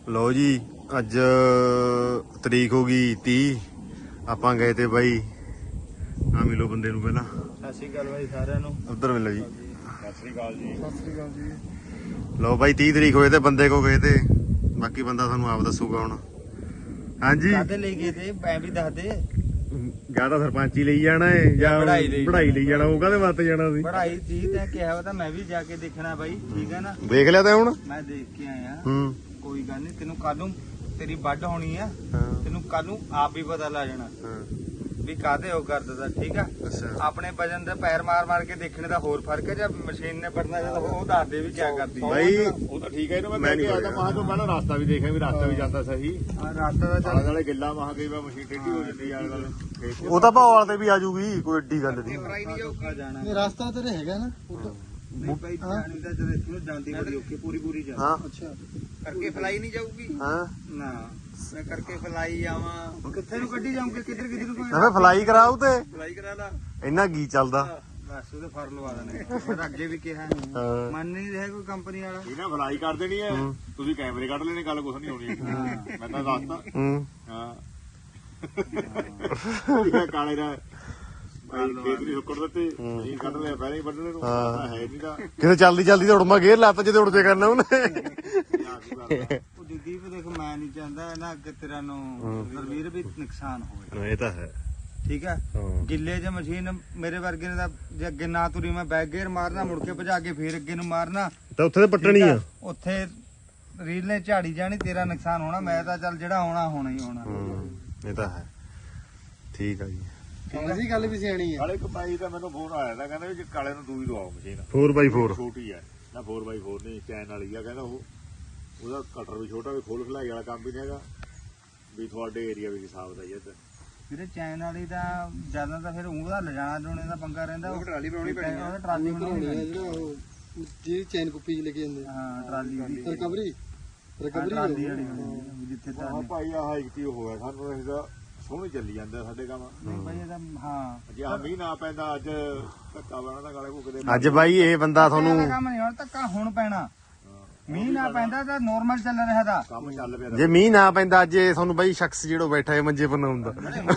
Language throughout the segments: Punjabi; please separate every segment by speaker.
Speaker 1: ਲਓ ਜੀ ਅੱਜ ਤਰੀਕ ਹੋ ਗਈ 30। ਆਪਾਂ ਗਏ ਤੇ ਬਾਈ ਆ ਮਿਲੋ ਬੰਦੇ ਨੂੰ ਪਹਿਲਾਂ।
Speaker 2: ਸਤਿ ਸ਼੍ਰੀ ਅਕਾਲ ਬਾਈ ਸਾਰਿਆਂ ਨੂੰ।
Speaker 1: ਉੱਧਰ ਮਿਲੋ ਜੀ।
Speaker 2: ਸਤਿ ਸ਼੍ਰੀ ਅਕਾਲ ਜੀ। ਸਤਿ ਸ਼੍ਰੀ ਅਕਾਲ ਜੀ।
Speaker 1: ਲਓ ਬਾਈ 30 ਤਰੀਕ ਹੋਏ ਤੇ ਬੰਦੇ ਕੋ ਗਏ ਤੇ ਬਾਕੀ ਬੰਦਾ ਤੁਹਾਨੂੰ ਆਪ ਦੱਸੂਗਾ ਹੁਣ। ਹਾਂਜੀ
Speaker 2: ਕਾਹਦੇ ਲਈ ਗਏ ਤੇ ਐ ਵੀ ਦੱਸ ਦੇ।
Speaker 1: ਜਾਂ ਤਾਂ ਸਰਪੰਚੀ ਲਈ ਜਾਣਾ ਹੈ ਜਾਂ ਪੜ੍ਹਾਈ ਲਈ ਜਾਣਾ। ਉਹ ਕਾਹਦੇ ਵਾਸਤੇ ਜਾਣਾ ਸੀ?
Speaker 2: ਪੜ੍ਹਾਈ ਜੀ ਤੈਂ ਕਿਹਾ ਵਾ ਤਾਂ ਮੈਂ ਵੀ ਜਾ ਕੇ ਦੇਖਣਾ ਬਾਈ। ਠੀਕ ਹੈ ਨਾ।
Speaker 1: ਦੇਖ ਲਿਆ ਤਾਂ ਹੁਣ।
Speaker 2: ਮੈਂ ਦੇਖ ਕੇ ਆਇਆ।
Speaker 1: ਹੂੰ
Speaker 2: ਕੋਈ ਗੱਲ ਨਹੀਂ, ਤੈਨੂੰ ਕੱਲ ਨੂੰ ਤੇਰੀ ਵੱਢ ਹੋਣੀ ਆ। ਤੈਨੂੰ ਕੱਲ ਨੂੰ ਆਪ ਵੀ ਪਤਾ ਲੱਗ ਜਾਣਾ ਵੀ ਕਾਹਦੇ ਉਹ ਕਰਦਾ। ਠੀਕ ਆ। ਆਪਣੇ ਵਜਨ ਦੇ ਪੈਰ ਮਾਰ ਮਾਰ ਕੇ ਦੇਖਣੇ ਦਾ ਹੋਰ ਫਰਕ ਹੈ। ਜਦ ਮਸ਼ੀਨ ਨੇ ਪੜਨਾ ਜਦੋਂ ਉਹ ਦੱਸ ਦੇ ਵੀ ਕੀ ਕਰਦੀ
Speaker 1: ਬਾਈ।
Speaker 3: ਉਹ ਤਾਂ ਠੀਕ ਹੈ। ਇਹਨੂੰ ਮੈਂ ਕਹਿ ਕੇ ਆਦਾ ਮਾਹ ਤੋਂ ਪਹਿਲਾਂ ਰਸਤਾ ਵੀ ਦੇਖਿਆ ਵੀ ਰਸਤਾ ਵੀ ਜਾਂਦਾ ਸਹੀ।
Speaker 2: ਰਸਤਾ ਦਾ
Speaker 3: ਆਲੇ ਦੁਆਲੇ ਗਿੱਲਾ ਮਾਹ ਕਈ ਵਾਰ ਮਸ਼ੀਨ ਟੇਢੀ ਹੋ ਜਾਂਦੀ ਆਲੇ ਦੁਆਲੇ।
Speaker 1: ਉਹ ਤਾਂ ਭਾਅ ਵਾਲੇ ਤੇ ਵੀ ਆ ਜੂਗੀ, ਕੋਈ ਏਡੀ ਗੱਲ ਨਹੀਂ।
Speaker 2: ਨਹੀਂ ਜਾਊਗਾ ਜਾਣਾ।
Speaker 4: ਰਸਤਾ ਤੇਰੇ ਹੈਗਾ ਨਾ
Speaker 2: ਨਹੀਂ ਭਾਈ ਜਾਣੀ ਦਾ ਜਦੋਂ ਇੱਥੋਂ ਜਾਂਦੀ ਬੜੀ ਔਖੀ ਪੂਰੀ ਜਾ।
Speaker 1: ਹਾਂ
Speaker 4: ਅੱਛਾ
Speaker 2: ਕਰਕੇ ਫਲਾਈ ਨਹੀਂ ਜਾਊਗੀ।
Speaker 1: ਹਾਂ
Speaker 2: ਨਾ ਮੈਂ ਕਰਕੇ ਫਲਾਈ ਆਵਾਂ ਕਿੱਥੇ ਨੂੰ ਕੱਢੀ ਜਾਊਂਗੇ ਕਿੱਧਰ ਨੂੰ
Speaker 1: ਮੈਂ ਫਲਾਈ ਕਰਾਉ ਤੇ
Speaker 2: ਫਲਾਈ ਕਰਾ ਲਾ।
Speaker 1: ਇੰਨਾ ਕੀ ਚੱਲਦਾ।
Speaker 2: ਬਸ ਉਹਦੇ ਫਰ ਲਵਾ ਦੇਣੇ। ਮੈਂ ਤਾਂ ਅੱਗੇ ਵੀ ਕਿਹਾ ਮੰਨ ਨਹੀਂ ਰਿਹਾ ਕੋਈ ਕੰਪਨੀ ਵਾਲਾ।
Speaker 3: ਇਹਨਾਂ ਫਲਾਈ ਕਰ ਦੇਣੀ ਹੈ। ਤੁਸੀਂ ਕੈਮਰੇ ਕੱਢ ਲੈਣੇ, ਗੱਲ ਕੁਛ ਨਹੀਂ ਹੋਣੀ। ਮੈਂ ਤਾਂ ਦੱਸਤਾ।
Speaker 1: ਹੂੰ
Speaker 3: ਹਾਂ ਕਾਲੇ ਦਾ ਖੇਤ ਨਹੀਂ ਹੁੱਕੜ ਦਿੱਤੇ ਮਸ਼ੀਨ ਕੱਢ ਲਿਆ ਪਹਿਲਾਂ ਹੀ ਵੱਢਣੇ ਨੂੰ ਹੈ ਨਹੀਂ ਦਾ
Speaker 1: ਕਿਤੇ ਚੱਲਦੀ ਚੱਲਦੀ ਤੇ ਉੜਮਾ ਗੇਰ ਲਾਤਾ ਜਿਹਦੇ ਉੜਦੇ ਕਰਨਾ ਉਹਨੇ।
Speaker 2: ਉਹ ਦੀਦੀਪ ਦੇਖ ਮੈਂ ਨਹੀਂ ਚਾਹੁੰਦਾ ਨਾ ਅੱਗੇ ਤੇਰਾ ਨੂੰ ਰਵੀਰ ਵੀ ਨੁਕਸਾਨ ਹੋਵੇ।
Speaker 1: ਇਹ ਤਾਂ ਹੈ।
Speaker 2: ਠੀਕ ਹੈ। ਗਿੱਲੇ ਚ ਮਸ਼ੀਨ ਮੇਰੇ ਵਰਗੇ ਨੇ ਤਾਂ ਜੇ ਅੱਗੇ ਨਾ ਤੁਰੀ ਮੈਂ ਬੈਕ ਗੇਅਰ ਮਾਰਨਾ ਮੁੜ ਕੇ ਭਜਾ ਕੇ ਫੇਰ ਅੱਗੇ ਨੂੰ ਮਾਰਨਾ
Speaker 1: ਤਾਂ ਉੱਥੇ ਤੇ ਪੱਟਣੀ ਆ।
Speaker 2: ਉੱਥੇ ਰੀਲ ਨੇ ਝਾੜੀ ਜਾਣੀ, ਤੇਰਾ ਨੁਕਸਾਨ ਹੋਣਾ। ਮੈਂ ਤਾਂ ਚੱਲ ਜਿਹੜਾ ਹੋਣਾ ਹੀ ਹੋਣਾ।
Speaker 1: ਇਹ ਤਾਂ ਹੈ। ਠੀਕ ਆ ਜੀ।
Speaker 4: ਇਹਦੀ ਗੱਲ ਵੀ ਸਿਆਣੀ ਹੈ।
Speaker 3: ਕਾਲੇ ਕਪਾਈ ਦਾ ਮੈਨੂੰ ਫੋਨ ਆਇਆ ਤਾਂ ਕਹਿੰਦਾ ਵੀ ਕਾਲੇ ਨੂੰ ਦੂਈ ਦਵਾਓ ਮਸ਼ੀਨ
Speaker 1: 4x4
Speaker 3: ਛੋਟੀ ਹੈ ਨਾ 4x4 ਨਹੀਂ ਚੈਨ ਵਾਲੀ ਆ। ਕਹਿੰਦਾ ਉਹਦਾ ਕਟਰ ਵੀ ਛੋਟਾ ਵੀ ਖੋਲ ਖਲਾਈ ਵਾਲਾ ਕੰਮ ਵੀ ਨਹੀਂ ਹੈਗਾ ਵੀ ਤੁਹਾਡੇ ਏਰੀਆ ਵਿੱਚ ਹਿਸਾਬ ਦਾ ਹੀ ਇੱਧਰ
Speaker 2: ਵੀਰੇ ਚੈਨ ਵਾਲੀ ਦਾ ਜਿਆਦਾ ਤਾਂ ਫਿਰ ਉਹਦਾ ਲਿਜਾਣਾ ਜੋਣੇ ਦਾ ਪੰਗਾ ਰਹਿੰਦਾ। ਉਹ
Speaker 3: ਟਰਾਲੀ ਬਣਾਉਣੀ ਪੈਣੀ
Speaker 2: ਉਹਦਾ ਟਰਾਲੀ ਬਣਾਉਣੀ
Speaker 4: ਹੈ
Speaker 2: ਪੈਣੀ।
Speaker 4: ਜਿਹੜਾ ਉਹ ਜਿਹੜੀ ਚੈਨ ਕੁੱਪੀ ਚ ਲੈ ਕੇ ਜਾਂਦੇ
Speaker 2: ਹਾਂ ਟਰਾਲੀ ਦੀ
Speaker 4: ਰਿਕਵਰੀ
Speaker 2: ਟਰਾਲੀ ਵਾਲੀ ਜਿੱਥੇ ਤਾਂ
Speaker 3: ਹਾਂ ਭਾਈ ਆਹ ਇੱਕ ਤੀ ਹੋਇਆ ਸਾਨੂੰ ਇਹਦਾ ਸੋਹਣੀ ਚੱਲੀ ਜਾਂਦਾ ਸਾਡੇ ਕੰਮ।
Speaker 2: ਨਹੀਂ ਬਾਈ ਇਹਦਾ ਹਾਂ
Speaker 3: ਜੇ ਆ ਮੀਂਹ ਨਾ ਪੈਂਦਾ ਅੱਜ ਧੱਕਾ ਬਣਾ ਦਾ ਗਾਲੇ ਭੁੱਕਦੇ
Speaker 1: ਅੱਜ ਬਾਈ ਇਹ ਬੰਦਾ ਤੁਹਾਨੂੰ
Speaker 2: ਕੰਮ ਨਹੀਂ ਹੁਣ ਧੱਕਾ ਹੁਣ ਪੈਣਾ। ਮੀਂਹ ਨਾ ਪੈਂਦਾ ਤਾਂ ਨੋਰਮਲ ਚੱਲ ਰਿਹਾ ਦਾ
Speaker 3: ਕੰਮ ਚੱਲ ਪਿਆ
Speaker 1: ਜੇ ਮੀਂਹ ਨਾ ਪੈਂਦਾ ਅੱਜ ਇਹ ਤੁਹਾਨੂੰ ਬਾਈ ਸ਼ਖਸ ਜਿਹੜਾ ਬੈਠਾ ਹੈ ਮੰਜੇ ਪਰ ਨਾ ਹੁੰਦਾ।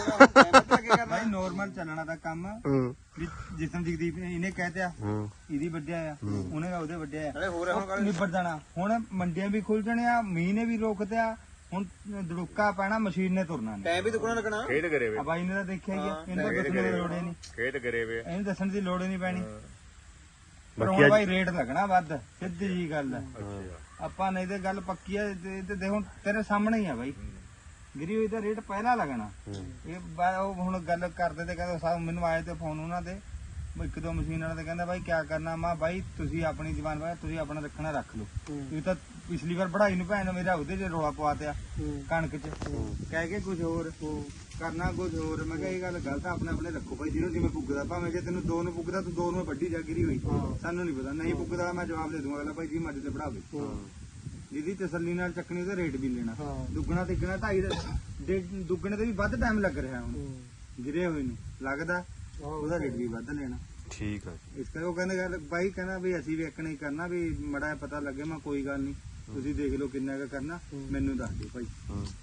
Speaker 2: ਬਾਈ ਨੋਰਮਲ ਚੱਲਣਾ ਦਾ ਕੰਮ ਵੀ ਜਿਸਮ ਜਗਦੀਪ ਨੇ ਇਹਨੇ ਕਹਿਤਿਆ ਇਹਦੀ ਵੱਡਿਆ ਆ ਉਹਨੇ ਉਹਦੇ ਵੱਡਿਆ ਆ ਹੋਰ ਨਿਬੜ ਜਾਣਾ। ਹੁਣ ਮੰਡੀਆਂ ਵੀ ਖੁੱਲ ਜਾਣੀਆਂ, ਮੀਂਹ ਨੇ ਵੀ ਰੋਕਤਿਆ। ਹੁਣ ਦੜੁੱਕਾ ਪੈਣਾ, ਮਸ਼ੀਨ ਨੇ ਤੁਰਨਾ ਨਹੀਂ।
Speaker 3: ਟਾਈਮ ਵੀ ਦੁੱਗਣਾ ਲੱਗਣਾ। ਖੇਡ ਕਰੇ ਵੇ
Speaker 2: ਬਾਈ ਨੇ ਤਾਂ ਦੇਖਿਆ ਹੀ ਆ। ਇਹਨੂੰ ਦੱਸਣ ਦੀ ਲੋੜ ਹੀ ਨਹੀਂ।
Speaker 3: ਖੇਡ ਕਰੇ ਵੇ
Speaker 2: ਇਹਨੂੰ ਦੱਸਣ ਦੀ ਲੋੜ ਹੀ ਨਹੀਂ ਪੈਣੀ। ਪਰ ਹੁਣ ਬਾਈ ਰੇਟ ਲੱਗਣਾ ਵੱਧ, ਸਿੱਧੀ ਜੀ ਗੱਲ ਹੈ। ਆਪਾਂ ਨਹੀਂ ਤੇ ਗੱਲ ਪੱਕੀ ਆ। ਤੇ ਦੇਖੋ ਤੇਰੇ ਸਾਹਮਣੇ ਹੀ ਆ ਬਾਈ ਗਿਰੀ ਹੋਈ ਤਾਂ ਰੇਟ ਪਹਿਲਾਂ ਲੱਗਣਾ। ਇਹ ਉਹ ਹੁਣ ਗੱਲ ਕਰਦੇ ਤੇ ਕਹਿੰਦੇ ਮੈਨੂੰ ਆਏ ਤੇ ਫੋਨ ਉਹਨਾਂ ਦੇ ਇੱਕ ਦੋ ਮਸ਼ੀਨ ਵਾਲੇ ਤੇ ਕਹਿੰਦਾ ਬਾਈ ਕਿਆ ਕਰਨਾ। ਮੈਂ ਬਾਈ ਤੁਸੀਂ ਆਪਣੀ ਜ਼ਬਾਨ ਬਾਈ ਤੁਸੀਂ ਆਪਣਾ ਰੱਖਣਾ ਰੱਖ ਲਓ। ਤੁਸੀਂ ਤਾਂ ਪਿਛਲੀ ਵਾਰ ਪੜ੍ਹਾਈ ਨੂੰ ਭੈਣ ਮੇਰਾ ਉਹਦੇ 'ਚ ਰੌਲਾ ਪਵਾਤਿਆ ਕਣਕ 'ਚ ਕਹਿ ਕੇ ਕੁਝ ਹੋਰ ਕਰਨਾ ਕੁਝ ਹੋਰ। ਮੈਂ ਕਿਹਾ ਇਹ ਗੱਲ ਗਲਤ ਆ। ਆਪਣੇ ਆਪਣੇ ਰੱਖੋ ਭਾਈ ਜਿਹਨੂੰ ਜਿਵੇਂ ਪੁੱਗਦਾ। ਭਾਵੇਂ ਜੇ ਤੈਨੂੰ ਦੋ ਨੂੰ ਪੁੱਗਦਾ ਤੂੰ ਦੋ ਨੂੰ ਵੱਡੀ ਜਾ ਗਿਰੀ ਹੋਈ ਸਾਨੂੰ ਨਹੀਂ ਪਤਾ। ਨਹੀਂ ਪੁੱਗਦਾ ਮੈਂ ਜਵਾਬ ਦੇ ਦੂੰਗਾ ਭਾਈ ਜੀ ਮੱਝ ਤੇ ਪੜਾਵੇ। ਜਿਹਦੀ ਤਸੱਲੀ ਨਾਲ ਚੱਕਣੀ ਉਹਦਾ ਰੇਟ ਵੀ ਲੈਣਾ। ਦੁੱਗਣਾ ਤਿੱਗਣਾ 2.5 ਦੁੱਗਣੇ ਤੇ ਵੀ ਵੱਧ ਟਾਈਮ ਲੱਗ ਰਿਹਾ ਹੁਣ ਗਿਰੇ ਹੋਏ ਨੂੰ ਲੱਗਦਾ। ਉਹਦਾ ਰੇਟ ਵੀ ਵੱਧ ਲੈਣਾ।
Speaker 1: ਠੀਕ ਆ।
Speaker 2: ਇਸ ਕਰਕੇ ਉਹ ਕਹਿੰਦੇ ਗੱਲ ਬਾਈ ਕਹਿੰਦਾ ਵੀ ਅਸੀਂ ਵੀ ਇੱਕ ਨਹੀਂ ਕਰਨਾ ਵੀ ਮੜਾ ਪਤਾ ਲੱਗੇ। ਮੈਂ ਕੋਈ ਗੱਲ ਨਹੀਂ ਤੁਸੀਂ ਦੇਖ ਲਓ ਕਿੰਨਾ ਕੁ ਕਰਨਾ ਮੈਨੂੰ ਦੱਸ ਦਿਓ ਭਾਈ।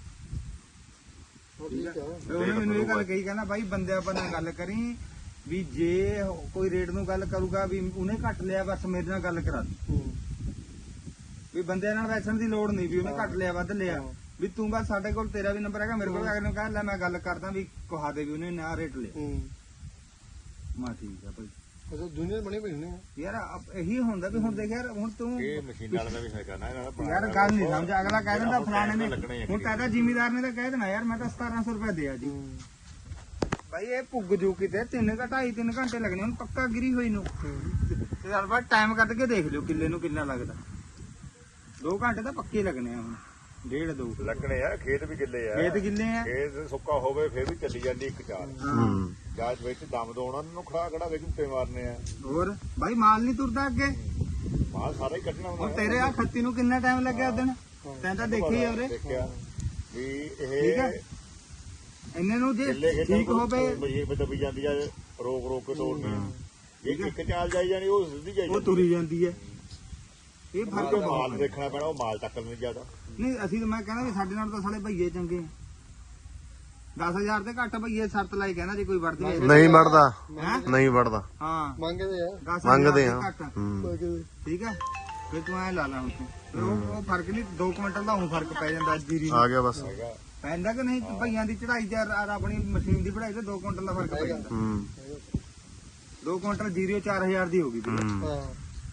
Speaker 2: ਉਹਨੇ ਮੈਨੂੰ ਇਹ ਗੱਲ ਕਹੀ ਕਹਿੰਦਾ ਬਾਈ ਬੰਦੇ ਆਪਾਂ ਨਾਲ ਗੱਲ ਕਰੀ ਵੀ ਜੇ ਕੋਈ ਰੇਟ ਨੂੰ ਗੱਲ ਕਰੂਗਾ ਵੀ ਉਹਨੇ ਘੱਟ ਲਿਆ ਬਸ ਮੇਰੇ ਨਾਲ ਗੱਲ ਕਰਾ ਦੀ। ਵੀ ਬੰਦਿਆਂ ਨਾਲ ਵੈਸਣ ਦੀ ਲੋੜ ਨਹੀਂ ਵੀ ਉਹਨੇ ਘੱਟ ਲਿਆ ਵੱਧ ਲਿਆ। ਵੀ ਤੂੰ ਬਸ ਸਾਡੇ ਕੋਲ ਤੇਰਾ ਵੀ ਨੰਬਰ ਹੈਗਾ ਮੇਰੇ ਕੋਲ ਅਗਰ ਨੂੰ ਕਹਿ ਲੈ ਮੈਂ ਗੱਲ ਕਰਦਾ ਵੀ ਕਹਾ ਦੇ ਵੀ ਉਹਨੇ ਨਾ ਰੇਟ ਲਿਆ। ਮਾ ਠੀਕ ਆ ਭਾਈ।
Speaker 4: ਅੱਛਾ ਦੁਨੀਆ ਬਣੀ ਪਈ ਨੇ
Speaker 2: ਯਾਰ ਇਹੀ ਹੁੰਦਾ ਵੀ ਹੁਣ ਦੇਖ ਯਾਰ ਹੁਣ ਤੂੰ
Speaker 3: ਇਹ ਮਸ਼ੀਨ ਵਾਲਾ ਦਾ ਵੀ ਹੈ ਕਰਨਾ
Speaker 2: ਯਾਰ ਗੱਲ ਨਹੀਂ ਸਮਝ। ਅਗਲਾ ਕਹਿ ਦਿੰਦਾ ਫਲਾਣੇ ਨੇ ਹੁਣ ਕਹਿੰਦਾ ਜ਼ਿਮੀਦਾਰ ਨੇ ਤਾਂ ਕਹਿ ਦੇਣਾ ਯਾਰ ਮੈਂ ਤਾਂ 1700 ਰੁਪਏ ਦਿਆ ਜੀ। ਭਾਈ ਇਹ ਪੁੱਗ ਜੂ ਕਿਤੇ 3 ਘੰਟੇ ਲੱਗਣੇ ਹੁਣ ਪੱਕਾ ਗਿਰੀ ਹੋਈ ਨੂੰ। ਤੇ ਯਾਰ ਬਾਅਦ ਟਾਈਮ ਕੱਢ ਕੇ ਦੇਖ ਲਿਓ ਕਿੱਲੇ ਨੂੰ ਕਿੰਨਾ ਲੱਗਦਾ। 2 ਘੰਟੇ ਤਾਂ ਪੱਕੇ ਲੱਗਣੇ ਆ ਹੁਣ। 1.5 2
Speaker 3: ਲੱਗਣੇ ਆ। ਖੇਤ ਵੀ ਗਿੱਲੇ ਆ।
Speaker 2: ਖੇਤ ਗਿੱਲੇ ਆ।
Speaker 3: ਖੇਤ ਸੁੱਕਾ ਹੋਵੇ ਫੇਰ ਵੀ ਚੱਲੀ ਜਾਂਦੀ ਇੱਕ ਚਾਲ ਜਾਂਚ ਵਿੱਚ ਦਮ ਦੋਣਾ ਨੂੰ ਖੜਾ ਖੜਾ ਵਿੱਚ ਉੱਤੇ ਮਾਰਨੇ ਆ।
Speaker 2: ਹੋਰ ਭਾਈ ਮਾਲ ਨਹੀਂ ਤੁਰਦਾ ਅੱਗੇ
Speaker 3: ਮਾਲ ਸਾਰਾ ਹੀ ਕੱਢਣਾ ਹੁੰਦਾ।
Speaker 2: ਹੁਣ ਤੇਰੇ ਆ ਖੱਤੀ ਨੂੰ ਕਿੰਨਾ ਟਾਈਮ ਲੱਗਿਆ ਉਦਣ ਤੈਂ ਤਾਂ ਦੇਖੀ ਉਹਦੇ
Speaker 3: ਦੇਖਿਆ ਵੀ
Speaker 2: ਠੀਕ ਆ। ਇੰਨੇ ਨੂੰ ਜੇ ਠੀਕ ਹੋਵੇ
Speaker 3: ਮਸ਼ੀਨ ਤੇ ਦਬੀ ਜਾਂਦੀ ਆ ਰੋਕ ਰੋਕ ਕੇ ਤੋੜਨੀ। ਇੱਕ ਚਾਲ ਜਾਈ ਜਾਣੀ ਉਹ ਸਿੱਧੀ ਜਾਈ
Speaker 2: ਉਹ ਤੁਰੀ ਜਾਂਦੀ ਹੈ। ਇਹ ਫਰਕ
Speaker 3: ਜੋ
Speaker 2: ਬਹੁਤ
Speaker 3: ਮਾਲ ਦੇਖਣਾ ਪੈਣਾ ਉਹ ਮਾਲ ਚੱਕਣ ਨਹੀਂ ਜ਼ਿਆਦਾ
Speaker 2: ਨਹੀਂ ਅਸੀਂ ਤਾਂ ਮੈਂ ਕਹਿੰਦਾ ਵੀ ਸਾਡੇ ਨਾਲ ਤਾਂ ਸਾਲੇ ਭਈਏ ਚੰਗੇ 10,000 ਤੇ ਘੱਟ ਭਈਏ ਸ਼ਰਤ ਲਾਈ ਕਹਿੰਦਾ ਜੇ ਕੋਈ ਵਰਦੀ ਹੈ
Speaker 1: ਨਹੀਂ ਵੜਦਾ
Speaker 2: ਹੈਂ?
Speaker 1: ਨਹੀਂ ਵੜਦਾ
Speaker 2: ਹਾਂ
Speaker 4: ਮੰਗਦੇ ਆ
Speaker 2: 10,000
Speaker 1: ਮੰਗਦੇ
Speaker 2: ਤੇ
Speaker 1: ਆ
Speaker 2: ਘੱਟ।
Speaker 4: ਮੰਗਦੇ
Speaker 2: ਠੀਕ ਹੈ ਫਿਰ ਤੂੰ ਐ ਲਾ ਲਾ ਹੁਣ ਤੂੰ ਫਿਰ ਉਹ ਫਰਕ ਨਹੀਂ 2 ਕੁਇੰਟਲ ਦਾ ਹੁਣ ਫਰਕ ਪੈ ਜਾਂਦਾ ਜੀਰੀ ਨੂੰ
Speaker 1: ਆ ਗਿਆ ਬਸ
Speaker 2: ਪੈਂਦਾ ਕਿ ਨਹੀਂ ਭਈਆਂ ਦੀ ਚੜਾਈ ਤੇ ਆਪਣੀ ਮਸ਼ੀਨ ਦੀ ਪੜਾਈ ਤੇ 2 ਕੁਇੰਟਲ ਦਾ ਫਰਕ ਪੈ ਜਾਂਦਾ
Speaker 1: ਹੂੰ
Speaker 2: 2 ਕੁਇੰਟਲ ਜੀਰੀ 4000 ਦੀ ਹੋ ਗਈ ਵੀਰੇ।
Speaker 1: ਹੂੰ
Speaker 4: ਹਾਂ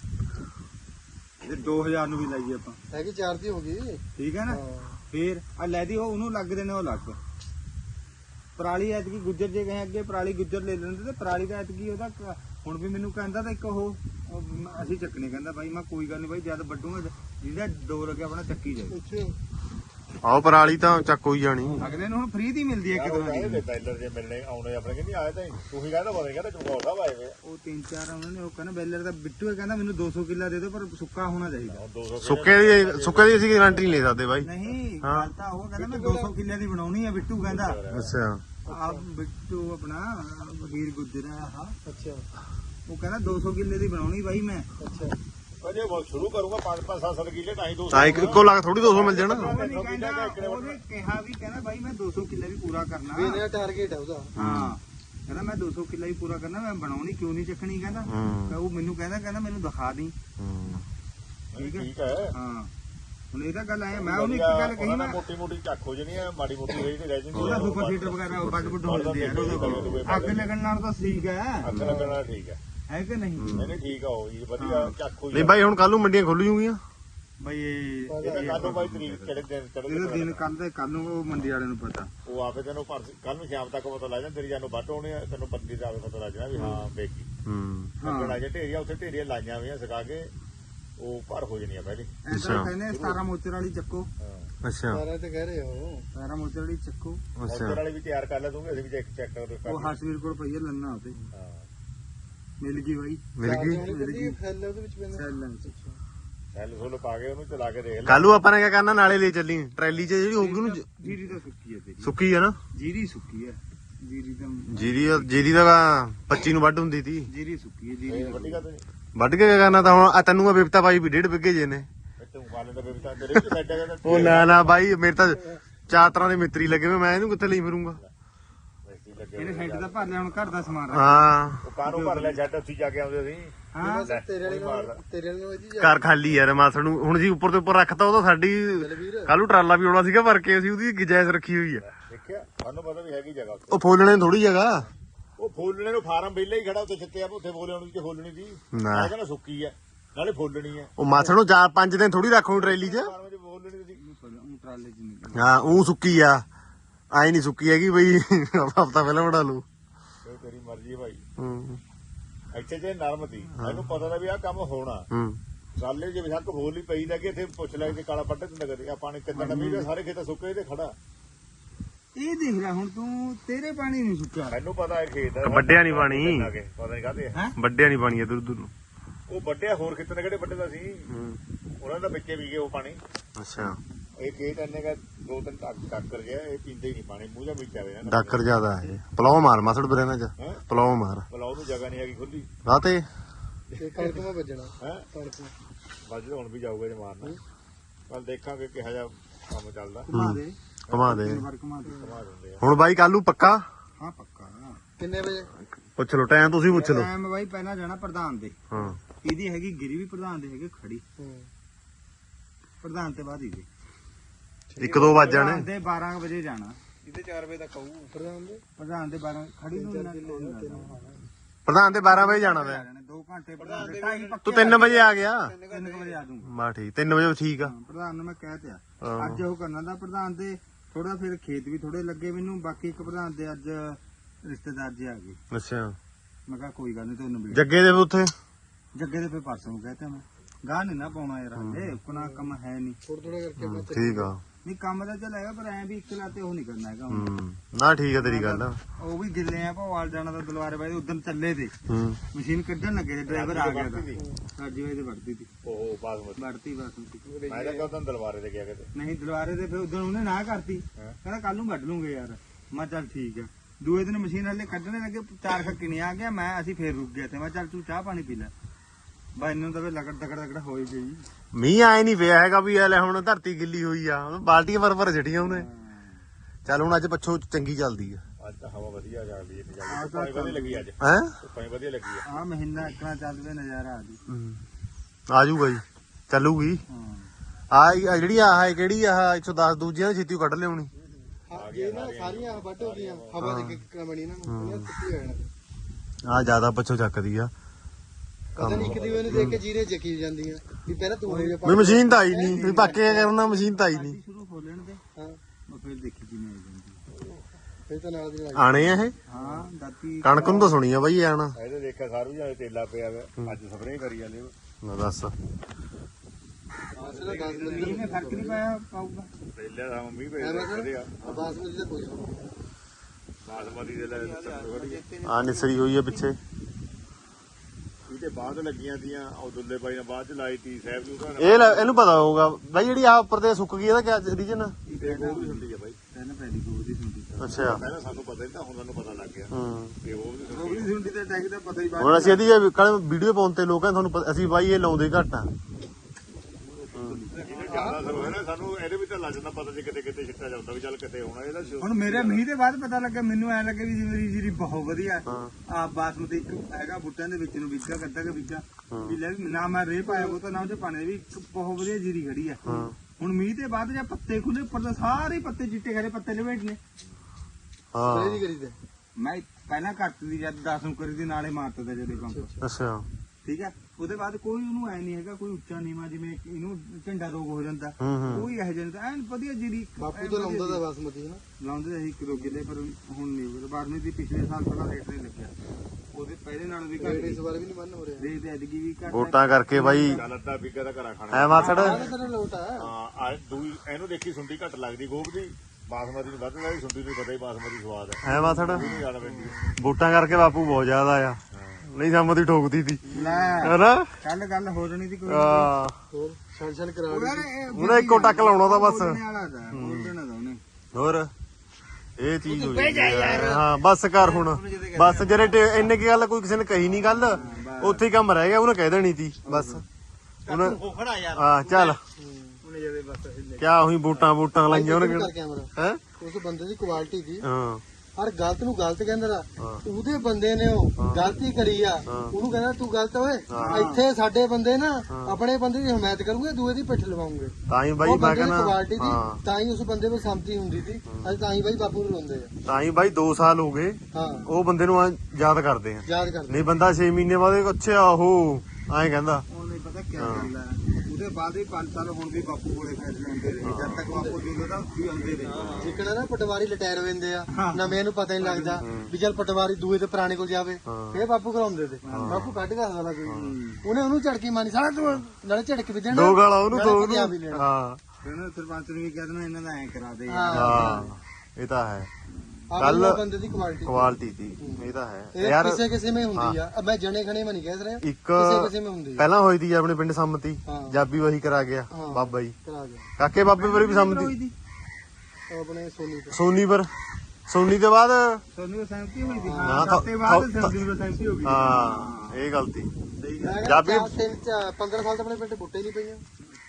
Speaker 2: ਜੇ 2000 ਨੂੰ ਵੀ ਲਾਈਏ ਆਪਾਂ
Speaker 4: ਹੈਗੀ 4 ਦੀ ਹੋ ਗਈ
Speaker 2: ਠੀਕ ਹੈ ਨਾ ਫੇਰ ਆ ਲੈ ਦੀ ਉਹ ਉਹਨੂੰ ਲੱਗਦੇ ਨੇ ਉਹ ਲੱਗ ਪਰਾਲੀ ਐਤਕੀ ਗੁੱਜਰ ਜੇ ਕਹੇ ਅੱਗੇ ਪਰਾਲੀ ਗੁੱਜਰ ਲੈ ਲੈਂਦੇ ਤੇ ਪਰਾਲੀ ਦਾ ਐਤਕੀ ਉਹਦਾ ਹੁਣ ਵੀ ਮੈਨੂੰ ਕਹਿੰਦਾ ਤਾਂ ਇੱਕ ਉਹ ਅਸੀਂ ਚੱਕਣੇ ਕਹਿੰਦਾ ਬਾਈ ਮੈਂ ਕੋਈ ਗੱਲ ਨਹੀਂ ਬਾਈ ਜਦ ਵੱਡੂਗਾ ਜਿਹਦਾ ਦੋ ਲੱਗੇ ਆਪਣਾ ਚੱਕੀ ਜਾਏ
Speaker 4: ਅੱਛਾ
Speaker 1: ਆਓ ਪਰਾਲੀ ਤਾਂ ਚੱਕ ਹੋਈ ਜਾਣੀ
Speaker 2: ਅਗਲੇ ਨੂੰ ਹੁਣ ਫ੍ਰੀ ਦੀ ਮਿਲਦੀ ਹੈ ਇੱਕ ਤਰ੍ਹਾਂ ਦੀ
Speaker 3: ਕਹਿੰਦੇ ਬੈਲਰ ਜੇ ਮਿਲਣੇ ਆਉਣੇ ਆਪਣੇ ਕਹਿੰਦੇ ਆਏ ਤਾਂ ਤੂੰ ਹੀ ਕਹਿੰਦਾ ਪਤਾ ਨਹੀਂ ਕਹਿੰਦਾ ਚੁਕਾ ਹੁੰਦਾ ਵਾਏ ਵੇ
Speaker 2: ਉਹ 3-4 ਉਹਨਾਂ ਨੇ ਉਹ ਕਹਿੰਦਾ ਬੈਲਰ ਦਾ ਬਿੱਟੂ ਕਹਿੰਦਾ ਮੈਨੂੰ 200 ਕਿੱਲਾ ਦੇ ਦਿਓ ਪਰ ਸੁੱਕਾ ਹੋਣਾ ਚਾਹੀਦਾ
Speaker 3: 200
Speaker 1: ਸੁੱਕੇ ਦੀ ਅਸੀਂ ਗਾਰੰਟੀ ਨਹੀਂ ਲੈ ਸਕਦੇ ਬਾਈ
Speaker 2: ਨਹੀਂ ਗੱਲ ਤਾਂ ਉਹ ਕਹਿੰਦਾ ਮੈਂ 200 ਕਿੱਲੇ ਦੀ ਬਣਾਉਣੀ ਹੈ ਬਿੱਟੂ ਕਹਿੰਦਾ
Speaker 1: ਅੱਛਾ
Speaker 2: ਆ ਬਿੱਟੂ ਆਪਣਾ ਵਹੀਰ ਗੁੱਜਰ ਆ ਆਹ
Speaker 4: ਅੱਛਾ
Speaker 2: ਉਹ ਕਹਿੰਦਾ 200 ਕਿੱਲੇ ਦੀ ਬਣਾਉਣੀ ਬਾਈ ਮੈਂ
Speaker 4: ਅੱਛਾ
Speaker 3: ਅਜੇ ਬਹੁਤ ਸ਼ੁਰੂ ਕਰੂੰਗਾ 5-5 7 ਕਿੱਲੇ ਤਾਂ ਹੀ 200
Speaker 1: ਤਾਂ ਇੱਕੋ ਲੱਖ ਥੋੜੀ 200 ਮਿਲ ਜਾਣਾ
Speaker 2: ਉਹਨੇ ਕਹਿੰਦਾ ਉਹਨੇ ਕਿਹਾ ਵੀ ਕਹਿੰਦਾ ਬਾਈ ਮੈਂ 200 ਕਿੱਲੇ ਵੀ ਪੂਰਾ
Speaker 4: ਵੀ
Speaker 2: ਕਰਨਾ
Speaker 4: ਇਹਦਾ ਟਾਰਗੇਟ ਹੈ ਉਹਦਾ
Speaker 2: ਹਾਂ ਕਹਿੰਦਾ ਮੈਂ 200 ਕਿੱਲਾ ਵੀ ਪੂਰਾ ਕਰਨਾ ਮੈਂ ਬਣਾਉਣੀ ਕਿਉਂ ਨਹੀਂ ਚੱਕਣੀ ਕਹਿੰਦਾ ਤਾਂ ਉਹ ਮੈਨੂੰ ਕਹਿੰਦਾ ਮੈਨੂੰ ਦਿਖਾ ਦੀ ਠੀਕ ਹੈ
Speaker 3: ਠੀਕ ਹੈ
Speaker 2: ਹਾਂ ਹੁਣ ਇਹ ਤਾਂ ਗੱਲ ਆਇਆ ਮੈਂ ਉਹਨੂੰ ਇੱਕ ਗੱਲ ਕਹੀ ਮੈਂ
Speaker 3: ਮੋਟੀ ਮੋਟੀ ਚੱਕ ਹੋ ਜਣੀ ਹੈ ਮਾੜੀ ਮੋਟੀ ਰਹੀ ਤੇ ਰਹਿ ਜਾਂਦੀ
Speaker 2: ਉਹਦਾ ਸੁਪਰ ਸੀਟਰ ਵਗੈਰਾ ਵੱਡ ਵੱਡ ਹੋ ਜਾਂਦੇ ਯਾਰ ਉਹਦੇ ਕੋਲ ਅੱਗ ਲੱਗਣ ਨਾਲ ਤਾਂ ਠੀਕ ਹੈ
Speaker 3: ਅੱਖ ਲੱਗਣਾ ਠੀਕ ਹੈ
Speaker 2: ਹੈ ਕਿ ਨਹੀਂ
Speaker 3: ਨਹੀਂ ਠੀਕ ਆ ਉਹ ਜੀ ਵਧੀਆ ਚੱਕ ਹੋ
Speaker 1: ਨਹੀਂ ਬਾਈ ਹੁਣ ਕੱਲ ਨੂੰ ਮੰਡੀਆਂ ਖੁੱਲ ਜੂਗੀਆਂ
Speaker 2: ਬਈ
Speaker 3: ਇਹ ਤਾਂ ਕੱਲ ਬਾਈ ਤਰੀਕ ਕਿਹੜੇ ਦਿਨ
Speaker 2: ਇਹਦਾ ਦਿਨ ਕੱਲ ਨੂੰ ਉਹ ਮੰਡੀ ਵਾਲਿਆਂ ਨੂੰ ਪਤਾ
Speaker 3: ਉਹ ਆਪੇ ਤੈਨੂੰ ਕੱਲ ਨੂੰ ਸ਼ਾਮ ਤੱਕ ਪਤਾ ਲੱਗ ਜਾਣਾ ਤੇਰੀ ਜਾਨੂੰ ਵੱਟ ਹੋਣੇ ਆ ਤੈਨੂੰ ਬੰਦੀ ਦਾ ਪਤਾ ਲੱਗ ਜਾਣਾ ਵੀ ਹਾਂ ਬੇਕੀ ਲੱਗਣਾ ਜੇ ਢੇਰੀਆਂ ਉੱਥੇ ਢੇਰੀਆਂ ਲਾਈਆਂ ਹੋਈਆਂ ਸਕਾ ਕੇ ਉਹ ਭਰ ਹੋ ਜਣੀਆਂ ਪਹਿਲੇ
Speaker 2: ਐਸਾ ਕਹਿੰਦੇ 17 ਮੋਚਰ ਵਾਲੀ ਚੱਕੋ
Speaker 1: ਅੱਛਾ
Speaker 4: ਸਾਰਾ ਤੇ ਕਹਿ ਰਹੇ ਹੋ
Speaker 2: 17 ਮੋਚਰ ਵਾਲੀ ਚੱਕੋ
Speaker 3: ਮੋਟਰ ਵਾਲੀ ਵੀ ਤਿਆਰ ਕਰ ਲੈ ਦੂੰਗੇ ਅਸੀਂ ਵੀ ਚੈੱਕ ਕਰ
Speaker 2: ਉਹ ਹਰਸ਼ਵੀਰ ਕੋਲ ਪਈ ਹੈ ਲੰਨਾ ਉਹਤੇ
Speaker 3: ਹਾਂ
Speaker 2: ਮਿਲ ਗਈ ਬਾਈ
Speaker 1: ਮਿਲ ਗਈ
Speaker 4: ਕਿਹੜੀ ਫੈਲ ਉਹਦੇ ਵਿੱਚ ਪੈਂਦਾ
Speaker 2: ਸੈੱਲਾਂ ਚ
Speaker 3: ਸੈੱਲ ਸੁੱਲ ਪਾ ਕੇ ਉਹਨੂੰ ਚਲਾ ਕੇ ਦੇਖ ਲੈ
Speaker 1: ਕੱਲ ਨੂੰ ਆਪਾਂ ਨੇ ਕਿਆ ਕਰਨਾ ਨਾਲੇ ਲੈ ਚੱਲੀ ਟਰੈਲੀ 'ਚ ਜਿਹੜੀ ਹੋਊਗੀ ਉਹਨੂੰ
Speaker 2: ਜੀਰੀ ਤਾਂ ਸੁੱਕੀ ਹੈ ਤੇਰੀ
Speaker 1: ਸੁੱਕੀ ਹੈ ਨਾ
Speaker 2: ਜੀਰੀ ਸੁੱਕੀ ਹੈ ਜੀਰੀ ਤਾਂ
Speaker 1: ਜੀਰੀ ਦਾ 25 ਨੂੰ ਵੱਢ ਹੁੰਦੀ ਸੀ
Speaker 2: ਜੀਰੀ ਸੁੱਕੀ ਹੈ ਜੀਰੀ ਤਾਂ
Speaker 3: ਵੱਡੀ ਗੱਲ ਨਹੀਂ
Speaker 1: ਵੱਢ ਕੇ ਕਿਆ ਕਰਨਾ ਤਾਂ ਹੁਣ ਤੈਨੂੰ ਆ ਬਿਪਤਾ ਪਾਈ ਵੀ 1.5 ਵਿੱਗੇ ਜੇ ਨੇ
Speaker 3: ਤੂੰ ਖਾ ਲੈਂਦਾ ਬੇਬੀ ਤਾਂ ਤੇਰੇ ਵੀ ਸੈੱਟ ਹੈਗਾ
Speaker 1: ਉਹ ਨਾ ਬਾਈ ਮੇਰੇ ਤਾਂ 4 ਤਰ੍ਹਾਂ ਦੇ ਮਿੱਤਰੀ ਲੱਗੇ ਹੋਏ, ਮੈਂ ਇਹਨੂੰ ਕਿੱਥੇ ਲਈ ਫਿਰੂੰਗਾ
Speaker 2: ਇਹਨੇ ਸਾਈਡ ਦਾ ਭਰ ਲਿਆ ਹੁਣ ਘਰ ਦਾ ਸਮਾਨ ਰੱਖ
Speaker 1: ਹਾਂ
Speaker 3: ਉਹ ਕਾਹਨੂੰ ਭਰ ਲਿਆ ਜੱਟ ਉੱਥੇ ਜਾ ਕੇ ਆਉਂਦੇ ਸੀ
Speaker 2: ਹਾਂ
Speaker 4: ਤੇਰੇ ਵਾਲੇ ਨੂੰ ਇਹਦੀ
Speaker 1: ਘਰ ਖਾਲੀ ਯਾਰ ਮਾਸੜ ਨੂੰ ਹੁਣ ਜੀ ਉੱਪਰ ਤੇ ਉੱਪਰ ਰੱਖਤਾ ਉਹ ਤਾਂ ਸਾਡੀ ਕੱਲ ਨੂੰ ਟਰਾਲਾ ਵੀ ਆਉਣਾ ਸੀਗਾ ਭਰ ਕੇ ਅਸੀਂ ਉਹਦੀ ਗੁੰਜਾਇਸ਼ ਰੱਖੀ ਹੋਈ ਆ
Speaker 3: ਦੇਖਿਆ ਸਾਨੂੰ ਪਤਾ ਵੀ ਹੈਗੀ ਜਗ੍ਹਾ ਉੱਥੇ
Speaker 1: ਉਹ ਫੋਲਣੇ ਥੋੜੀ ਜਗ੍ਹਾ
Speaker 3: ਉਹ ਫੋਲਣੇ ਨੂੰ ਫਾਰਮ ਵਿਹਲੇ ਹੀ ਖੜਾ ਉੱਥੇ ਛੱਤੇ ਆ ਉੱਥੇ ਬੋਲੇ ਉਹਨੂੰ ਕਿ ਫੋਲਣੀ ਸੀ
Speaker 1: ਨਾ
Speaker 3: ਮੈਂ ਕਹਿੰਦਾ ਸੁੱਕੀ ਆ ਨਾਲੇ ਫੋਲਣੀ ਆ
Speaker 1: ਉਹ ਮਾਸੜ ਨੂੰ 4-5 ਦਿਨ ਥੋੜੀ ਰੱਖੂ ਟਰੈਲੀ 'ਚ
Speaker 3: ਫਾਰਮ 'ਚ ਫੋਲਣੀ ਸੀ
Speaker 2: ਉਹ ਟਰਾਲੇ ਚ ਨਿਕਲ
Speaker 1: ਹਾਂ ਉਹ ਸੁੱਕੀ ਆ ਆਈ ਨਹੀਂ ਸੁੱਕੀ ਹੈਗੀ ਬਈ ਹਫਤਾ ਪਹਿਲਾਂ ਵੜਾ ਲੂ
Speaker 3: ਇਹ ਤੇਰੀ ਮਰਜ਼ੀ ਹੈ ਭਾਈ
Speaker 1: ਹੂੰ
Speaker 3: ਇੱਥੇ ਜੇ ਨਰਮ ਸੀ ਮੈਨੂੰ ਪਤਾ ਤਾਂ ਵੀ ਆਹ ਕੰਮ ਹੋਣਾ
Speaker 1: ਹੂੰ
Speaker 3: ਸਾਲੇ ਜੇ ਵਿਸ਼ੱਕ ਬੋਲ ਹੀ ਪਈ ਲੱਗੇ ਇੱਥੇ ਪੁੱਛ ਲੈ ਕਿ ਕਾਲਾ ਪੱਟੇ ਦਿੰਦਾ ਕਦੇ ਆ ਪਾਣੀ ਕਿੱਦਾਂ ਦਾ ਮੀਂਹ ਸਾਰੇ ਖੇਤ ਸੁੱਕੇ ਤੇ ਖੜਾ
Speaker 2: ਇਹ ਦੇਖ ਲੈ ਹੁਣ ਤੂੰ ਤੇਰੇ ਪਾਣੀ ਨਹੀਂ ਸੁੱਕਿਆ
Speaker 3: ਮੈਨੂੰ ਪਤਾ ਹੈ ਖੇਤ ਆ
Speaker 1: ਵੱਡਿਆ ਨਹੀਂ ਪਾਣੀ
Speaker 3: ਪਤਾ ਨਹੀਂ ਕਾਹਦੇ ਆ
Speaker 2: ਹੈ
Speaker 1: ਵੱਡਿਆ ਨਹੀਂ ਪਾਣੀ ਇਧਰ ਉਧਰ ਨੂੰ
Speaker 3: ਉਹ ਵੱਡਿਆ ਹੋਰ ਖੇਤਾਂ ਦੇ ਕਿਹੜੇ ਵੱਡੇ ਦਾ ਸੀ ਉਹਨਾਂ ਦਾ ਵਿੱਚੇ ਵੀ ਗਏ ਉਹ ਪਾਣੀ
Speaker 1: ਅੱਛਾ
Speaker 3: ਇਹ ਖੇਤ ਇੰਨੇ ਦਾ 2-3 ਟੱਕਰ ਗਿਆ ਇਹ ਪੀਂਦੇ ਹੀ ਨਹੀਂ ਪਾਣੀ ਮੂੰਹ ਜਾਂ ਵਿੱਚ ਆਵੇ ਨਾ
Speaker 1: ਡਾਕਰ ਜ਼ਿਆਦਾ ਹੈ ਪਲਾਉ ਮਾਰ ਮਾਸੜ ਬਰੇਨਾ ਚ
Speaker 3: ਹੈਂ?
Speaker 1: ਪਲਾਉ ਮਾਰ
Speaker 3: ਬਲਾਉ ਨੂੰ ਜਗ੍ਹਾ ਨਹੀਂ ਹੈਗੀ ਖੁੱਲੀ
Speaker 1: ਰਾਤੇ
Speaker 4: ਤੇ ਕਣਕ ਮਾ ਵੱਜਣਾ
Speaker 3: ਹੈ
Speaker 4: ਕਣਕ
Speaker 3: ਵੱਜ ਹੁਣ ਵੀ ਜਾਊਗਾ ਜੇ ਮਾਰਨਾ ਕੱਲ ਦੇਖਾਂਗੇ ਕਿਹੋ ਜਿਹਾ ਕੰਮ ਚੱਲਦਾ
Speaker 2: ਘੁਮਾ ਦੇ
Speaker 1: ਘੁਮਾ ਦੇ
Speaker 2: ਤਿੰਨ ਵਾਰ ਘੁਮਾ ਦੇ
Speaker 3: ਘੁਮਾ ਦਿੰਦੇ ਆ
Speaker 1: ਹੁਣ ਬਾਈ ਕੱਲ ਨੂੰ ਪੱਕਾ
Speaker 2: ਹਾਂ ਪੱਕਾ
Speaker 4: ਕਿੰਨੇ ਵਜੇ
Speaker 1: ਪੁੱਛ ਲਓ ਟਾਈਮ ਤੁਸੀਂ ਪੁੱਛ ਲਓ
Speaker 2: ਟਾਈਮ ਬਾਈ ਪਹਿਲਾਂ ਜਾਣਾ ਪ੍ਰਧਾਨ ਦੇ
Speaker 1: ਹਾਂ
Speaker 2: ਇਹਦੀ ਹੈਗੀ ਗਿਰੀ ਵੀ ਪ੍ਰਧਾਨ ਦੇ ਹੈਗੇ ਖੜੀ ਪ੍ਰਧਾਨ ਤੇ ਬਾਅਦ ਹੀ
Speaker 1: 1-2 ਵੱਜ
Speaker 2: ਪ੍ਰਧਾਨ
Speaker 1: ਜਾਣੇ
Speaker 2: ਦੇ 12 ਵਜੇ ਜਾਣਾ
Speaker 4: ਇਹਦੇ 4 ਵਜੇ ਤੱਕ ਆਊ ਪ੍ਰਧਾਨ ਦੇ
Speaker 2: ਪ੍ਰਧਾਨ ਦੇ 12 ਖੜੀ ਨੂੰ ਨਾ
Speaker 1: ਪ੍ਰਧਾਨ ਦੇ 12 ਵਜੇ ਜਾਣਾ ਵੇ
Speaker 2: 2 ਘੰਟੇ ਪ੍ਰਧਾਨ ਦੇ 2.5 ਪੱਕੇ
Speaker 1: ਤੂੰ 3 ਵਜੇ ਆ ਗਿਆ
Speaker 2: 3 ਵਜੇ ਆ ਜਾਊਂਗਾ
Speaker 1: ਬਾ ਠੀਕ 3 ਵਜੇ ਠੀਕ ਆ
Speaker 2: ਪ੍ਰਧਾਨ ਨੂੰ ਮੈਂ ਕਹਿ ਤਿਆ
Speaker 1: ਹਾਂ।
Speaker 2: ਅੱਜ ਉਹ ਕਰਨਾ ਦਾ ਪ੍ਰਧਾਨ ਦੇ ਥੋੜਾ ਫਿਰ ਖੇਤ ਵੀ ਥੋੜੇ ਲੱਗੇ ਮੈਨੂੰ ਬਾਕੀ ਇੱਕ ਪ੍ਰਧਾਨ ਦੇ ਅੱਜ ਰਿਸ਼ਤੇਦਾਰ ਜੀ ਆ ਗਏ
Speaker 1: ਅੱਛਾ
Speaker 2: ਮੈਂ ਕਿਹਾ ਕੋਈ ਗੱਲ ਨਹੀਂ ਤੁਹਾਨੂੰ ਵੀ
Speaker 1: ਜੱਗੇ ਦੇ ਵੀ ਉੱਥੇ
Speaker 2: ਜੱਗੇ ਦੇ ਫਿਰ ਪਰਸੋਂ ਨੂੰ ਕਹਤਾ ਮੈਂ ਗਾਹ ਨਹੀਂ ਨਾ ਪਾਉਣਾ ਯਾਰ ਹਲੇ ਕੋਨਾ ਕੰਮ ਹੈ ਨਹੀਂ
Speaker 4: ਥੋੜਾ ਕਰਕੇ ਆਪਣਾ
Speaker 1: ਠੀਕ ਆ
Speaker 2: ਨਹੀਂ ਕੰਮ ਤਾਂ ਚੱਲ ਹੈਗਾ ਪਰ ਐ ਵੀ ਇੱਕ ਲਾਤੇ ਉਹ ਨਹੀਂ ਕਰਨਾ ਹੈਗਾ ਹੁਣ।
Speaker 1: ਨਾ ਠੀਕ ਆ ਤੇਰੀ ਗੱਲ
Speaker 2: ਉਹ ਵੀ ਗਿੱਲੇ ਆ ਭਵਾਲ ਜਾਣਾ ਤਾਂ ਦਲਵਾਰੇ ਬਾਈ ਉਦੋਂ ਚੱਲੇ ਤੇ
Speaker 1: ਹੂੰ
Speaker 2: ਮਸ਼ੀਨ ਕੱਢਣ ਲੱਗੇ ਡਰਾਈਵਰ ਆ ਗਿਆ ਤਾਂ ਸਾਡੀ ਵਜੇ ਤੇ ਵੜਦੀ ਸੀ
Speaker 3: ਉਹ ਬਾਸਮਤੀ
Speaker 2: ਵੜਤੀ ਬਾਸਮਤੀ
Speaker 3: ਮੈਂ ਤਾਂ ਕਹਦਾ ਦਲਵਾਰੇ ਤੇ ਗਿਆ ਕਿਤੇ
Speaker 2: ਨਹੀਂ ਦਲਵਾਰੇ ਤੇ ਫਿਰ ਉਦੋਂ ਉਹਨੇ ਨਾ ਕਰਤੀ ਕਹਿੰਦਾ ਕੱਲ ਨੂੰ ਕੱਢ ਲੂੰਗੇ ਯਾਰ ਮੈਂ ਕਿਹਾ ਚੱਲ ਠੀਕ ਆ ਦੂਏ ਦਿਨ ਮਸ਼ੀਨ ਵਾਲੇ ਕੱਢਣੇ ਲੱਗੇ 4 ਖੱਕੀ ਨਹੀਂ ਆ ਗਿਆ ਮੈਂ ਅਸੀਂ ਫੇਰ ਰੁਕ ਗਏ ਤੇ ਮੈਂ ਕਿਹਾ ਚੱਲ ਤੂੰ ਚਾਹ ਪਾਣੀ ਪੀ ਲੈ ਬਾਈ ਨੂੰ ਤਾਂ ਫਿਰ ਲਗੜ ਤਕੜ ਹੋ ਹੀ ਗਈ
Speaker 1: ਮੀਂਹ ਆਏ ਨਹੀਂ ਪਿਆ ਹੈਗਾ ਵੀ ਇਹ ਲੈ ਹੁਣ ਧਰਤੀ ਗਿੱਲੀ ਹੋਈ ਆ ਬਾਲਟੀਆਂ ਭਰ ਛੱਡੀਆਂ ਉਹਨੇ। ਚੱਲ ਹੁਣ ਅੱਜ ਪੱਛੋ ਚੰਗੀ ਚੱਲਦੀ ਆ।
Speaker 3: ਅੱਜ ਤਾਂ ਹਵਾ ਵਧੀਆ ਚੱਲਦੀ ਹੈ, ਪਾਣੀ ਵਧੀਆ ਲੱਗੀ ਅੱਜ,
Speaker 1: ਹੈ
Speaker 3: ਪਾਣੀ ਵਧੀਆ ਲੱਗੀ ਆ।
Speaker 2: ਆ ਮਹੀਨਾ ਇਕਣਾ ਚੱਲ ਪਏ ਨਜ਼ਾਰਾ ਆ ਜੀ।
Speaker 1: ਆ ਜਾਊਗਾ ਜੀ, ਚੱਲੂਗੀ। ਆ ਜਿਹੜੀ ਆਹ ਕਿਹੜੀ ਆਹ 110 ਦੂਜੀਆਂ ਛੇਤੀ ਕੱਢ ਲਿਆਉਣੀ।
Speaker 4: ਹਾਂ ਜੇ ਨਾ ਸਾਰੀਆਂ ਵੱਢ ਹੋ ਗਈਆਂ ਹਵਾ ਦੇ ਕਿੱਕਣਾ ਬਣੀ ਇਹਨਾਂ ਨੂੰ, ਇਹਨਾਂ ਸੁੱਕੀ ਹੋ ਜਾਣਾ।
Speaker 1: ਆ ਜ਼ਿਆਦਾ ਪੱਛੋ ਚੱਕਦੀ ਆ।
Speaker 4: ਪਤਾ ਨਹੀਂ ਇੱਕ ਦੂਜੇ ਨੂੰ ਦੇਖ ਕੇ ਜੀਰੇ ਚੱਕੀ ਜਾਂਦੀਆਂ ਵੀ ਪਹਿਲਾਂ ਤੂੰ ਹੋ ਜਾ
Speaker 1: ਵੀ ਮਸ਼ੀਨ ਤਾਂ ਆਈ ਨਹੀਂ, ਵੀ ਪੱਕੇ ਕਿਆ ਕਰਨਾ, ਮਸ਼ੀਨ ਤਾਂ ਆਈ ਨਹੀਂ।
Speaker 2: ਸ਼ੁਰੂ ਹੋ ਲੈਣ ਦੇ,
Speaker 4: ਹਾਂ
Speaker 2: ਫਿਰ ਦੇਖੀ ਕਿਵੇਂ ਆ ਜਾਂਦੀ।
Speaker 4: ਫਿਰ ਤਾਂ ਨਾਲ ਦੀ ਨਾਲ
Speaker 1: ਆਣੇ ਆ ਇਹ
Speaker 2: ਹਾਂ ਦਾਤੀ
Speaker 1: ਕਣਕ ਨੂੰ ਤਾਂ ਸੁਣੀ ਆ ਬਾਈ ਇਹ ਆਣਾ।
Speaker 3: ਇਹਦੇ ਦੇਖਿਆ ਸਾਰੂ ਜਿਹਾ ਤੇਲਾ ਪਿਆ ਵਾ, ਅੱਜ ਸਪਰੇਅ ਕਰੀ ਜਾਂਦੇ ਉਹ।
Speaker 1: ਨਾ ਦੱਸ
Speaker 4: ਆਸਰਾ 10 ਬੰਦੇ
Speaker 2: ਇਹਨੇ ਫਰਕ ਨਹੀਂ ਪਾਇਆ ਪਾਊਗਾ।
Speaker 3: ਤੇਲਾ ਦਾ ਮੰਮੀ ਭੇਜਦੇ ਆ,
Speaker 4: ਬਾਸਮਤੀ ਦਾ ਕੋਈ
Speaker 3: ਬਾਸਮਤੀ ਦੇ ਲੈ ਸਪਰੇਅ
Speaker 1: ਆ ਨਿਸਰੀ ਹੋਈ ਆ ਪਿੱਛੇ।
Speaker 3: ਇਹਦੇ ਬਾਅਦ ਲੱਗੀਆਂ ਦੀਆਂ ਉਹ ਦੁੱਲੇ ਬਾਈ ਨੇ ਬਾਅਦ ਚ ਲਾਈ ਤੀ ਸਾਹਿਬ ਜੀ ਉਹਨਾਂ
Speaker 1: ਇਹ ਇਹਨੂੰ ਪਤਾ ਹੋਊਗਾ ਬਾਈ ਜਿਹੜੀ ਆ ਉੱਪਰ ਤੇ ਸੁੱਕ ਗਈ ਇਹਦਾ ਕਿਆ ਰੀਜਨ।
Speaker 3: ਨੇ ਉਹ ਵੀ ਹੁੰਦੀ ਆ ਬਾਈ।
Speaker 2: ਪਹਿਲਾਂ ਪੈਦੀ ਕੋਲ ਦੀ ਸੁਣਦੀ
Speaker 1: ਅੱਛਾ
Speaker 3: ਪਹਿਲਾਂ ਸਾਨੂੰ ਪਤਾ ਨਹੀਂ ਤਾਂ ਹੁਣ ਸਾਨੂੰ ਪਤਾ ਲੱਗ ਗਿਆ ਤੇ ਉਹ ਵੀ
Speaker 2: ਉਹ ਵੀ ਸੁਣਦੀ ਤੇ ਟੈਗ ਦਾ ਪਤਾ ਹੀ ਬਾਅਦ
Speaker 1: ਹੁਣ ਅਸੀਂ ਇਹਦੀ ਕੱਲ ਵੀਡੀਓ ਪਾਉਣ ਤੇ ਲੋਕਾਂ ਤੁਹਾਨੂੰ ਅਸੀਂ ਬਾਈ ਇਹ ਲਾਉਂਦੇ ਘੱਟ ਆ।
Speaker 3: ਜਿਹਨੇ ਜ਼ਿਆਦਾ ਸਰ ਹੋਇਆ ਨਾ ਸਾਨੂੰ ਇਹਦੇ ਵੀ ਤਾਂ ਲੱਗ ਜਾਂਦਾ ਪਤਾ ਜੇ ਕਿਤੇ ਕਿਤੇ ਛਿੱਟਾ ਜਾਂਦਾ ਵੀ ਚੱਲ ਕਿਤੇ ਹੋਣਾ ਇਹਦਾ
Speaker 2: ਹੁਣ ਮੇਰੇ ਮੀਂਹ ਦੇ ਬਾਅਦ ਪਤਾ ਲੱਗਾ, ਮੈਨੂੰ ਐ ਲੱਗੇ ਵੀ ਮੇਰੀ ਜੀਰੀ ਬਹੁਤ ਵਧੀਆ ਆ। ਬਾਸਮਤੀ ਇੱਕ ਹੈਗਾ ਬੁੱਟਿਆਂ ਦੇ ਵਿੱਚ ਨੂੰ ਵਿਗਾ ਕੱਢਾ ਕੇ ਵਿਗਾ ਵੀ ਲੈ ਨਾ ਮੈਂ ਰੇ ਪਾਇਆ ਉਹ ਤਾਂ ਨਾ ਉਹਦੇ ਪਾਣੇ ਵੀ ਇੱਕ ਬਹੁਤ ਵਧੀਆ ਜੀਰੀ ਖੜੀ ਆ। ਹੁਣ ਮੀਂਹ ਦੇ ਬਾਅਦ ਜੇ ਪੱਤੇ ਖੁੱਲੇ ਉੱਪਰ ਤਾਂ ਸਾਰੇ ਪੱਤੇ ਚਿੱਟੇ ਖੜੇ ਪੱਤੇ ਲਵੇਟ ਨੇ।
Speaker 1: ਹਾਂ
Speaker 4: ਨਹੀਂ ਕਰੀਦਾ
Speaker 2: ਮੈਂ ਪਹਿਲਾਂ ਘੱਟ ਦੀ ਜਦ 10 ਨੂੰ ਕਰੀ ਦੀ ਨਾਲੇ ਮਾਰਤਾ ਤਾ ਜਦੇ ਪੰਪ,
Speaker 1: ਅੱਛਾ
Speaker 2: ਠੀਕ ਹੈ। ਉਹਦੇ ਬਾਅਦ ਕੋਈ ਉਹਨੂੰ ਐ ਨਹੀਂ ਹੈਗਾ ਕੋਈ ਉੱਚਾ ਨੀਵਾਂ ਜਿਵੇਂ ਇਹਨੂੰ ਝੰਡਾ ਰੋਗ ਹੋ ਜਾਂਦਾ, ਕੋਈ ਇਹੋ ਜਿਹਾ ਐਨ ਵਧੀਆ ਜੀਰੀ।
Speaker 4: ਬਾਪੂ ਤਾਂ ਲਾਉਂਦਾ ਤਾਂ ਬਾਸਮਤੀ ਨਾ
Speaker 2: ਲਾਉਂਦੇ ਸੀ ਕਿਲੋ ਗਿੱਲੇ, ਪਰ ਹੁਣ ਨਹੀਂ ਬਾਰਵੀਂ ਦੀ ਪਿਛਲੇ ਸਾਲ ਪਹਿਲਾਂ ਰੇਟ ਨਹੀਂ ਲੱਗਿਆ, ਉਹਦੇ ਪਹਿਲੇ ਨਾਲ ਵੀ ਘੱਟ
Speaker 4: ਰੇਟ ਇਸ ਵਾਰ ਵੀ ਨਹੀਂ ਮੰਨ ਹੋ ਰਿਹਾ।
Speaker 2: ਰੇਟ ਐਦਗੀ ਵੀ ਘੱਟ
Speaker 1: ਵੋਟਾਂ ਕਰਕੇ ਬਾਈ
Speaker 3: ਗੱਲ ਅੱਧਾ ਵਿਗਾ ਦਾ ਘਰਾਂ ਖਾਣਾ।
Speaker 1: ਐ ਮਾਸੜ
Speaker 4: ਤੇਰਾ ਲੋਟ ਆ
Speaker 3: ਹਾਂ ਆ ਦੂਈ ਇਹਨੂੰ ਦੇਖੀ ਸੁੰਡੀ ਘੱਟ ਲੱਗਦੀ ਗੋਭ ਦੀ, ਬਾਸਮਤੀ ਨੂੰ ਵੱਧ ਲੱਗਦੀ, ਸੁੰਡੀ ਨੂੰ ਪਤਾ ਹੀ ਬਾਸਮਤੀ ਸਵਾਦ ਹੈ,
Speaker 1: ਐ ਮਾਸੜ
Speaker 3: ਉਹ ਨਹੀਂ ਜ਼ਿਆਦਾ ਪੈਂਦੀ ਹੈ।
Speaker 1: ਵੋਟਾਂ ਕਰਕੇ ਬਾਪੂ ਬਹੁਤ ਜ਼ਿਆਦਾ ਆ, ਨਹੀਂ ਸਾਮਦੀ ਠੋਕਦੀ ਸੀ
Speaker 2: ਲੈ
Speaker 1: ਹੈਨਾ।
Speaker 2: ਕੱਲ ਗੱਲ ਹੋ ਜਣੀ ਦੀ ਕੋਈ
Speaker 1: ਆ
Speaker 4: ਹੋਰ ਛਣ ਕਰਾ
Speaker 1: ਉਹਨੇ ਇੱਕੋ ਟੱਕ ਲਾਉਣਾ ਤਾਂ ਬਸ।
Speaker 2: ਵਾਲਾ ਦਾ ਬੋਲਣਾ ਦਾ ਉਹਨੇ
Speaker 1: ਹੋਰ ਇਹ ਚੀਜ਼ ਹੋ ਜਾਂਦੀ ਆ। ਹਾਂ ਬਸ ਕਰ ਹੁਣ, ਬਸ ਜਿਹੜੇ ਇੰਨੇ ਕੀ ਗੱਲ ਕੋਈ ਕਿਸੇ ਨੇ ਕਹੀ ਨਹੀਂ ਗੱਲ, ਉੱਥੇ ਹੀ ਕੰਮ ਰਹਿ ਗਿਆ, ਉਹਨੇ ਕਹਿ ਦੇਣੀ ਸੀ ਬਸ ਉਹਨੇ।
Speaker 2: ਖੜਾ ਯਾਰ
Speaker 1: ਹਾਂ ਚੱਲ
Speaker 2: ਉਹਨੇ ਜਦੇ ਬਸ
Speaker 1: ਕਿਆ ਹੋਈ ਵੋਟਾਂ ਲਾਈਆਂ ਉਹਨੇ
Speaker 4: ਕਰ ਕੈਮਰਾ
Speaker 1: ਹੈ।
Speaker 4: ਉਸ ਬੰਦੇ ਦੀ ਕੁਆਲਿਟੀ ਦੀ
Speaker 1: ਹਾਂ
Speaker 4: ਹਰ ਗਲਤ ਨੂੰ ਗਲਤ ਕਹਿੰਦਾ ਰਾ, ਉਹਦੇ ਬੰਦੇ ਨੇ ਉਹ ਗਲਤੀ ਕਰੀ ਆ, ਉਹਨੂੰ ਕਹਿੰਦਾ ਤੂੰ ਗਲਤ ਓਏ। ਇੱਥੇ ਸਾਡੇ ਬੰਦੇ ਨਾ ਆਪਣੇ ਬੰਦੇ ਦੀ ਹਮਾਇਤ ਕਰੂਗੇ, ਦੂਏ ਦੀ ਪਿੱਠ ਲਵਾਉਂਗੇ।
Speaker 1: ਤਾਂ ਹੀ ਬਾਈ
Speaker 4: ਉਹ
Speaker 1: ਮੈਂ
Speaker 4: ਬੰਦੇ ਦੀ
Speaker 1: ਕਹਿੰਦਾ
Speaker 4: ਕੁਆਲਿਟੀ ਦੀ ਤਾਂ ਹੀ ਉਸ ਬੰਦੇ ਵਿੱਚ ਸੰਮਤੀ ਹੁੰਦੀ ਸੀ। ਅੱਜ ਤਾਂ ਹੀ ਬਾਈ ਬਾਪੂ ਨੂੰ ਰੋਂਦੇ ਆ।
Speaker 1: ਤਾਂ ਹੀ ਬਾਈ 2 ਸਾਲ ਹੋ ਗਏ
Speaker 4: ਹਾਂ
Speaker 1: ਉਹ ਬੰਦੇ ਨੂੰ ਯਾਦ ਕਰਦੇ ਆ,
Speaker 4: ਯਾਦ ਕਰਦੇ
Speaker 1: ਨਹੀਂ ਬੰਦਾ 6 ਮਹੀਨੇ ਬਾਅਦ ਅੱਛਾ ਉਹ ਐਂ ਕਹਿੰਦਾ।
Speaker 2: ਉਹਨੇ ਪਤਾ ਕੀ ਗੱਲ ਹੈ, ਉਹਦੇ ਬਾਅਦ ਹੀ 5 ਸਾਲ ਹੁਣ ਵੀ ਬਾਪੂ ਕੋਲੇ ਫੈਸਲੇ ਹੁੰਦੇ ਰਹੇ, ਜਦ ਤੱਕ ਬਾਪੂ ਜਿਉਂਦਾ ਤਾਂ ਵੀ ਆਉਂਦੇ ਰਹੇ।
Speaker 4: ਜਿੱਕਣਾ ਨਾ ਪਟਵਾਰੀ ਲਟੈਰ ਹੁੰਦੇ ਆ, ਨਵੇਂ ਨੂੰ ਪਤਾ ਨਹੀਂ ਲੱਗਦਾ ਵੀ ਚੱਲ ਪਟਵਾਰੀ ਦੂਏ ਤੇ ਪੁਰਾਣੇ ਕੋਲ ਜਾਵੇ, ਫੇਰ ਬਾਪੂ ਕਰਾਉਂਦੇ ਤੇ ਬਾਪੂ ਕੱਢ ਕੇ ਸਾਲਾ ਕੋਈ ਉਹਨੇ ਉਹਨੂੰ ਝੜਕੀ ਮਾਰੀ, ਸਾਲਾ ਤੂੰ ਨਾਲੇ ਝੜਕ ਵੀ ਦੇਣਾ
Speaker 1: 2 ਗਾਲਾਂ ਉਹਨੂੰ
Speaker 4: ਨਾਲੇ
Speaker 1: 2
Speaker 4: ਭਜਾ ਵੀ ਲੈਣਾ।
Speaker 1: ਹਾਂ
Speaker 2: ਫਿਰ ਉਹਨੇ ਸਰਪੰਚ ਨੂੰ ਵੀ ਕਹਿ ਦੇਣਾ ਇਹਨਾਂ ਦਾ ਐਂ ਕਰਾ ਦੇ
Speaker 1: ਹਾਂ ਇਹ ਤਾਂ ਹੈ
Speaker 4: ਕੱਲ ਬੰਦੇ ਦੀ ਕੁਆਲਿਟੀ
Speaker 1: ਕੁਆਲਿਟੀ ਦੀ, ਇਹ ਤਾਂ ਹੈ
Speaker 4: ਇਹ
Speaker 1: ਯਾਰ।
Speaker 4: ਕਿਸੇ ਕਿਸੇ ਵਿੱਚ ਹੁੰਦੀ ਆ, ਅਬ ਮੈਂ ਜਣੇ ਖਣੇ ਮੈਂ ਨਹੀਂ ਕਹਿ ਰਿਹਾ,
Speaker 1: ਇੱਕ
Speaker 4: ਕਿਸੇ ਕਿਸੇ ਵਿੱਚ ਹੁੰਦੀ ਆ।
Speaker 1: ਪਹਿਲਾਂ ਹੋਈ ਦੀ ਆਪਣੇ ਪਿੰਡ ਸੰਮਤੀ,
Speaker 4: ਹਾਂ।
Speaker 1: ਜਾਬੀ ਵਹੀ ਕਰਾ ਗਿਆ
Speaker 4: ਹਾਂ।
Speaker 1: ਬਾਬਾ ਜੀ
Speaker 4: ਕਰਾ ਗਿਆ
Speaker 1: ਕਾਕੇ ਬਾਬੇ ਪਰ ਵੀ ਸੰਮਤੀ
Speaker 4: ਆਪਣੇ ਸੋਨੀ ਤੇ
Speaker 1: ਸੋਨੀ ਪਰ ਸੋਨੀ ਦੇ ਬਾਅਦ
Speaker 2: ਸੋਨੂੰ ਸਹਿਮਤੀ ਹੋਈ ਸੀ।
Speaker 1: ਹਾਂ,
Speaker 2: ਹਾਂ
Speaker 1: ਤਾਂ-
Speaker 2: ਤੇ ਬਾਅਦ
Speaker 1: ਤਾਂ-
Speaker 2: ਸੰਦੀਪ ਸਹਿਮਤੀ ਹੋ ਗਈ।
Speaker 1: ਹਾਂ ਇਹ ਗਲਤੀ
Speaker 4: ਮੈਂ
Speaker 1: ਜਾਬੀ-
Speaker 4: ਕਿਹਾ 15 ਸਾਲ ਤਾਂ ਆਪਣੇ ਪਿੰਡ ਬੁੱਟੇ ਨਹੀਂ ਪਈਆਂ।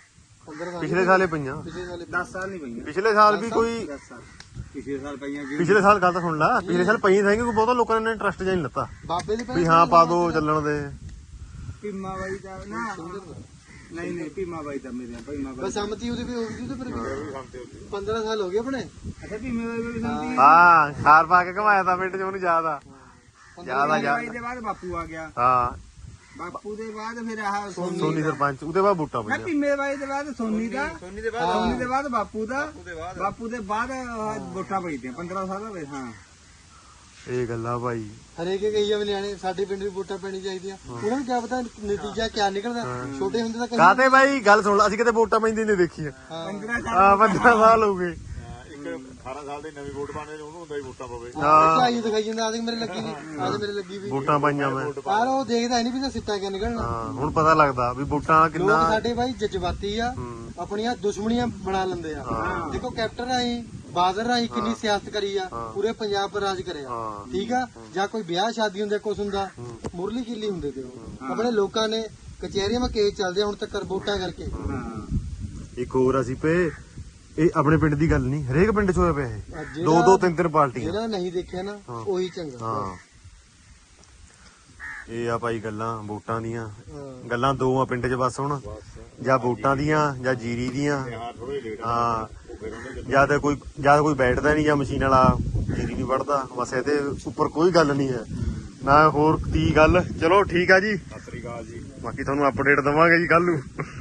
Speaker 4: 15 ਸਾਲ
Speaker 1: ਪਿਛਲੇ ਸਾਲੇ ਪਈਆਂ,
Speaker 4: ਪਿਛਲੇ ਸਾਲ
Speaker 2: 10 ਸਾਲ ਨਹੀਂ ਪਈਆਂ,
Speaker 1: ਪਿਛਲੇ ਸਾਲ ਵੀ ਕੋਈ
Speaker 2: 10 ਸਾਲ ਪਿਛਲੇ ਸਾਲ ਪਈਆਂ ਜੀ।
Speaker 1: ਪਿਛਲੇ ਸਾਲ ਗੱਲ ਤਾਂ ਸੁਣ ਲੈ, ਪਿਛਲੇ ਸਾਲ ਪਈਆਂ ਸੀ ਕਿ ਬਹੁਤਾ ਲੋਕਾਂ ਨੇ ਇੰਟਰਸਟ ਜਿਹਾ ਨਹੀਂ ਲੱਤਾ
Speaker 4: ਬਾਬੇ ਦੀ
Speaker 1: ਵੀ ਹਾਂ ਪਾ ਦੋ ਚੱਲਣ ਦੇ।
Speaker 2: ਭੀਮਾ ਬਾਈ ਦਾ ਨਾ ਨਹੀਂ ਨਹੀਂ ਭੀਮਾ ਬਾਈ ਦਾ ਮੇਰੇ ਭੀਮਾ ਬਾਈ
Speaker 4: ਬਸ ਸੰਮਤੀ ਉਹਦੀ ਵੀ ਹੋ ਗਈ ਉਹਦੇ ਪਰ ਵੀ 15 ਸਾਲ ਹੋ ਗਏ ਆਪਣੇ।
Speaker 2: ਅੱਛਾ ਭੀਮੇ ਬਾਈ ਵੀ ਸੰਦੀ
Speaker 1: ਹਾਂ ਖਾਰ ਪਾ ਕੇ ਘਮਾਇਆ ਤਾਂ ਪਿੰਡ ਚ ਉਹਨੂੰ ਯਾਦ ਆ। ਯਾਦ ਆ
Speaker 2: ਬਾਈ
Speaker 1: ਯਾਦ
Speaker 2: ਦੇ ਬਾਅਦ ਬਾਪੂ ਆ ਗਿਆ,
Speaker 1: ਹਾਂ
Speaker 2: ਬਾਪੂ ਦੇ ਬਾਅਦ ਫਿਰ ਆਹ
Speaker 1: ਸੋਨੀ ਸਰਪੰਚ, ਉਹਦੇ ਬਾਅਦ ਬੂਟਾ
Speaker 2: ਮੈਂ
Speaker 1: ਪਈਆਂ।
Speaker 2: ਭੀਮੇ ਬਾਈ ਦੇ ਬਾਅਦ ਸੋਨੀ ਦਾ, ਸੋਨੀ ਦੇ ਬਾਅਦ ਬਾਪੂ ਦਾ, ਬਾਪੂ ਦੇ ਬਾਅਦ ਵੋਟਾਂ ਪਈਆਂ 15 ਸਾਲ ਹੋ ਗਏ। ਹਾਂ
Speaker 1: ਇਹ ਗੱਲਾਂ ਭਾਈ
Speaker 4: ਹਰੇਕ ਕਹੀ ਆ ਨਿਆਣੇ ਸਾਡੇ ਪਿੰਡ ਵੀ ਵੋਟਾਂ ਪੈਣੀ ਚਾਹੀਦੀਆਂ, ਉਹਨਾਂ ਨੂੰ ਕਿਆ ਪਤਾ ਨਤੀਜਾ ਕਿਆ ਨਿਕਲਦਾ। ਛੋਟੇ ਹੁੰਦੇ ਤਾਂ ਕਹੀ
Speaker 1: ਕਾਤੇ ਬਾਈ ਗੱਲ ਸੁਣ ਲੈ, ਅਸੀਂ ਕਿਤੇ ਵੋਟਾਂ ਪੈਂਦੀ ਨਹੀਂ ਦੇਖੀਆਂ।
Speaker 2: 15 ਸਾਲ
Speaker 1: ਹਾਂ 15 ਸਾਲ ਹੋ ਗਏ।
Speaker 3: ਇੱਕ 18 ਸਾਲ ਦੀ ਨਵੀਂ ਵੋਟ ਪਾਣੇ ਉਹਨੂੰ ਹੁੰਦਾ ਹੀ ਵੋਟਾਂ ਪਵੇ।
Speaker 4: ਆਈ ਦਿਖਾਈ ਜਾਂਦਾ ਆਦੇ ਮੇਰੇ ਲੱਗੀ ਨਹੀਂ, ਆਦੇ ਮੇਰੇ ਲੱਗੀ ਵੀ
Speaker 1: ਵੋਟਾਂ ਪਾਈਆਂ ਮੈਂ।
Speaker 4: ਪਰ ਉਹ ਦੇਖਦਾ ਨਹੀਂ ਵੀ ਤਾਂ ਸਿੱਟਾ ਕਿਆ ਨਿਕਲਣਾ।
Speaker 1: ਹਾਂ ਹੁਣ ਪਤਾ ਲੱਗਦਾ ਵੀ ਵੋਟਾਂ
Speaker 4: ਲੋਕ
Speaker 1: ਕਿੰਨਾ।
Speaker 4: ਸਾਡੇ ਭਾਈ ਜਜ਼ਬਾਤੀ ਆ, ਆਪਣੀਆਂ ਦੁਸ਼ਮਣੀਆਂ ਬਣਾ ਲੈਂਦੇ ਆ। ਦੇਖੋ ਕੈਪਟਨ ਰਾਹੀਂ ਬਾਦਲ ਰਾਹੀਂ ਕਿੰਨੀ ਸਿਆਸਤ ਕਰੀ ਆ, ਪੂਰੇ ਪੰਜਾਬ ਪਰ ਰਾਜ ਕਰਿਆ, ਠੀਕ ਆ। ਜਾਂ ਕੋਈ ਵਿਆਹ ਸ਼ਾਦੀ ਹੁੰਦੇ ਕੁਛ ਹੁੰਦਾ, ਮੁਰਲੀ ਕਿੱਲੀ ਹੁੰਦੇ ਤੇ ਉਹ ਆਪਣੇ ਲੋਕਾਂ ਨੇ ਕਚਹਿਰੀਆਂ ਮੈਂ ਕੇਸ ਚੱਲਦੇ ਆ ਹੁਣ ਤੱਕ ਵੋਟਾਂ ਕਰਕੇ।
Speaker 2: ਹਾਂ
Speaker 1: ਇੱਕ ਹੋਰ ਅਸੀਂ ਪਏ, ਇਹ ਆਪਣੇ ਪਿੰਡ ਦੀ ਗੱਲ ਨਹੀਂ, ਹਰੇਕ ਪਿੰਡ 'ਚ ਹੋਇਆ ਪਿਆ ਇਹ,
Speaker 4: ਜਿਹੜਾ-
Speaker 1: ਦੋ ਦੋ ਤਿੰਨ ਤਿੰਨ ਪਾਰਟੀਆਂ।
Speaker 4: ਜਿਹੜਾ ਨਹੀਂ ਦੇਖਿਆ ਨਾ ਉਹੀ ਚੰਗਾ।
Speaker 1: ਹਾਂ ਇਹ ਆ ਭਾਈ ਗੱਲਾਂ ਵੋਟਾਂ ਦੀਆਂ,
Speaker 4: ਹਾਂ।
Speaker 1: ਗੱਲਾਂ ਦੋ ਆ ਪਿੰਡ 'ਚ ਬਸ ਹੁਣ, ਜਾਂ ਵੋਟਾਂ ਦੀਆਂ ਜਾਂ ਜੀਰੀ ਦੀਆਂ।
Speaker 3: ਹਾਂ ਥੋੜੇ ਲੇਟ
Speaker 1: ਹਾਂ
Speaker 3: ਫਿਰ ਉਹਨੇ
Speaker 1: ਜਦ ਕੋਈ ਬੈਠਦਾ ਨਹੀਂ ਜਾਂ ਮਸ਼ੀਨ ਵਾਲਾ ਜੀਰੀ ਨਹੀਂ ਵੜਦਾ, ਬਸ ਇਹਦੇ ਉੱਪਰ ਕੋਈ ਗੱਲ ਨਹੀਂ ਹੈ ਨਾ ਹੋਰ ਦੀ ਗੱਲ। ਚਲੋ ਠੀਕ ਆ ਜੀ,
Speaker 3: ਸਤਿ ਸ੍ਰੀ ਅਕਾਲ ਜੀ।
Speaker 1: ਬਾਕੀ ਤੁਹਾਨੂੰ ਅਪਡੇਟ ਦਵਾਂਗੇ ਜੀ ਕੱਲ ਨੂੰ।